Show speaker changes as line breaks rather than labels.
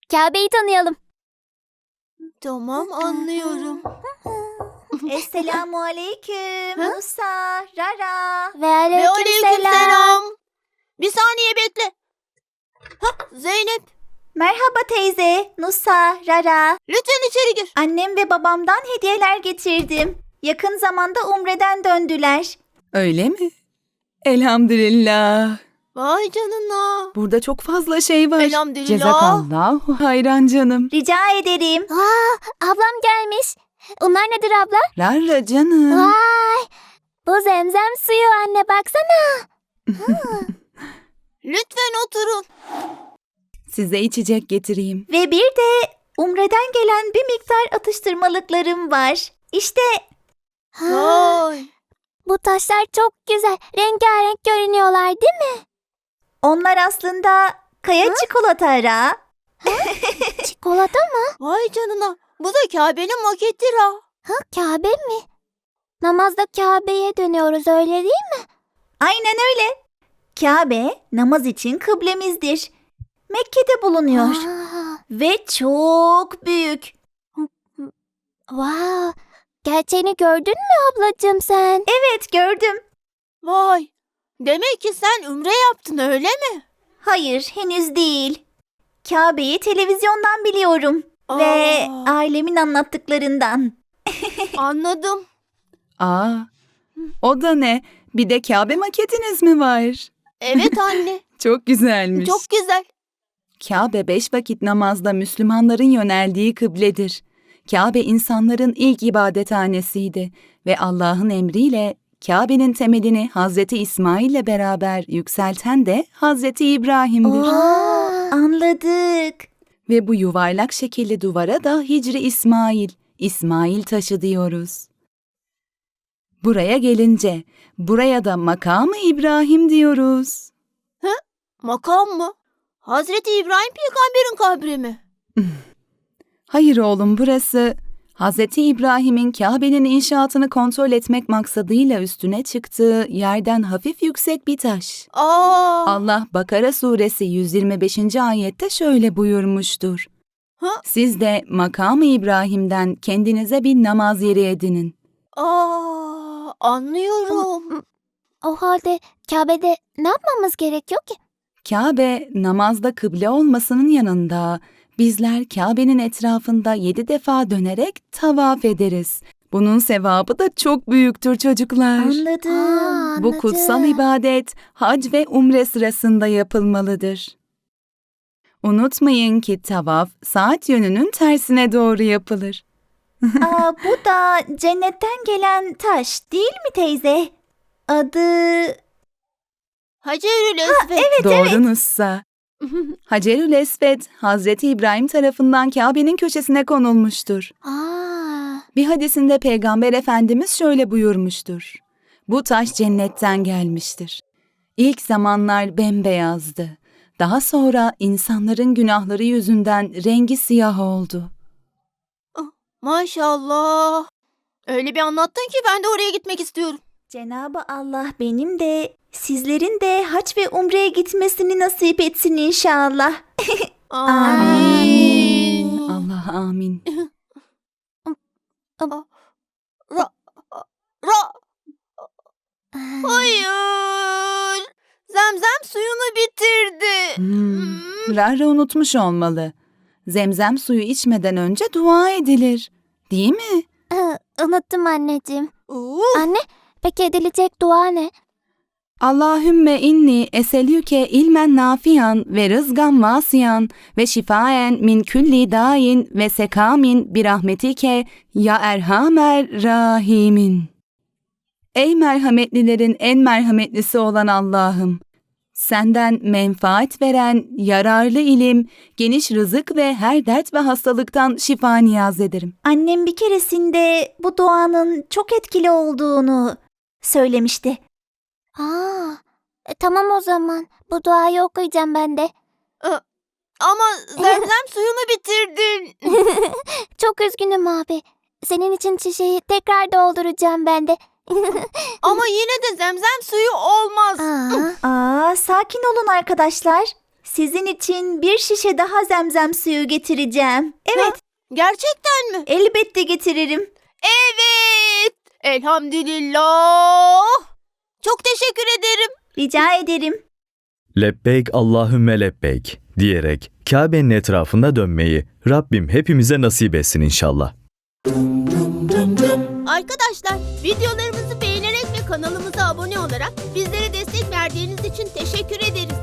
Kabe'yi tanıyalım.
Tamam, anlıyorum.
Esselamu aleyküm. Musa, Rara.
Ve aleykümselam.
Bir saniye bekle. Zeynep,
Merhaba teyze, Nusa, Rara.
lütfen içeri gir.
Annem ve babamdan hediyeler getirdim. Yakın zamanda Umre'den döndüler.
Öyle mi? Elhamdülillah.
Vay canına.
Burada çok fazla şey var.
Elhamdülillah.
Cezakallahu hayran canım.
Rica ederim.
Ablam gelmiş. Onlar nedir abla?
Rarra canım.
Vay! Bu zemzem suyu anne baksana.
Lütfen oturun.
Size içecek getireyim.
Ve bir de Umre'den gelen bir miktar atıştırmalıklarım var. İşte
Vay.
Bu taşlar çok güzel. Rengarenk görünüyorlar değil mi?
onlar aslında kaya çikolata Rara.
Çikolata mı?
Vay canına. Bu da Kabe'nin makettir ha.
Kabe mi? Namazda Kabe'ye dönüyoruz öyle değil mi?
Aynen öyle. Kabe namaz için kıblemizdir. Mekke'de bulunuyor.
Aa,
Ve çok büyük.
wow. Gerçeğini gördün mü ablacığım sen?
Evet gördüm.
Vay. Demek ki sen ümre yaptın öyle mi?
Hayır henüz değil. Kabe'yi televizyondan biliyorum. Ve ailemin anlattıklarından.
Anladım.
Aa, o da ne? Bir de Kabe maketiniz mi var?
Evet anne.
Çok güzelmiş.
Çok güzel.
Kabe 5 vakit namazda Müslümanların yöneldiği kıbledir. Kabe insanların ilk ibadethanesiydi ve Allah'ın emriyle Kabe'nin temelini Hazreti İsmail ile beraber yükselten de Hazreti İbrahim'dir.
Anladık.
Ve bu yuvarlak şekilli duvara da Hicri İsmail taşı diyoruz. Buraya gelince, buraya da makamı İbrahim diyoruz.
Makam mı? Hazreti İbrahim peygamberin kabri mi?
Hayır oğlum, burası Hazreti İbrahim'in Kabe'nin inşaatını kontrol etmek maksadıyla üstüne çıktığı yerden hafif yüksek bir taş. Allah Bakara suresi 125. ayette şöyle buyurmuştur. Siz de makamı İbrahim'den kendinize bir namaz yeri edinin.
Anlıyorum.
O halde Kabe'de ne yapmamız gerekiyor ki?
Kabe namazda kıble olmasının yanında bizler Kabe'nin etrafında 7 defa dönerek tavaf ederiz. Bunun sevabı da çok büyüktür çocuklar.
Anladım.
Bu kutsal ibadet hac ve umre sırasında yapılmalıdır. Unutmayın ki tavaf saat yönünün tersine doğru yapılır.
Bu da cennetten gelen taş değil mi teyze? Adı...
Hacerül Esved.
Doğru Nussa. Hacerül Esved, Hazreti İbrahim tarafından Kabe'nin köşesine konulmuştur. Bir hadisinde Peygamber Efendimiz şöyle buyurmuştur. Bu taş cennetten gelmiştir. İlk zamanlar bembeyazdı. Daha sonra insanların günahları yüzünden rengi siyah oldu.
Maşallah. Öyle bir anlattın ki ben de oraya gitmek istiyorum.
Cenab-ı Allah benim de sizlerin de hac ve umreye gitmesini nasip etsin inşallah.
Amin.
Allah amin.
Hayır. Zemzem suyunu bitirdi.
Rara unutmuş olmalı. Zemzem suyu içmeden önce dua edilir. Değil mi?
Unuttum anneciğim. Anne, peki edilecek dua ne?
Allahümme inni eselüke ilmen nafiyan ve rızgan vasiyan ve şifaen min külli dain ve sekamin birahmetike ya erhamer rahimin. Ey merhametlilerin en merhametlisi olan Allah'ım! Senden menfaat veren, yararlı ilim, geniş rızık ve her dert ve hastalıktan şifa niyaz ederim.
Annem bir keresinde bu duanın çok etkili olduğunu söylemişti.
Tamam o zaman. Bu duayı okuyacağım ben de.
Ama zemzem suyunu bitirdin.
Çok üzgünüm abi. Senin için şişeyi tekrar dolduracağım ben de.
Ama yine de zemzem suyu olmaz.
Sakin olun arkadaşlar. Sizin için bir şişe daha zemzem suyu getireceğim. Evet,
Gerçekten mi?
elbette getiririm.
Evet. Elhamdülillah. Çok teşekkür ederim.
Rica ederim.
Lebbeyk Allahümme lebbeyk diyerek Kabe'nin etrafında dönmeyi Rabbim hepimize nasip etsin inşallah.
Arkadaşlar, videolarımızı beğenerek ve kanalımıza abone olarak bizlere destek verdiğiniz için teşekkür ederiz.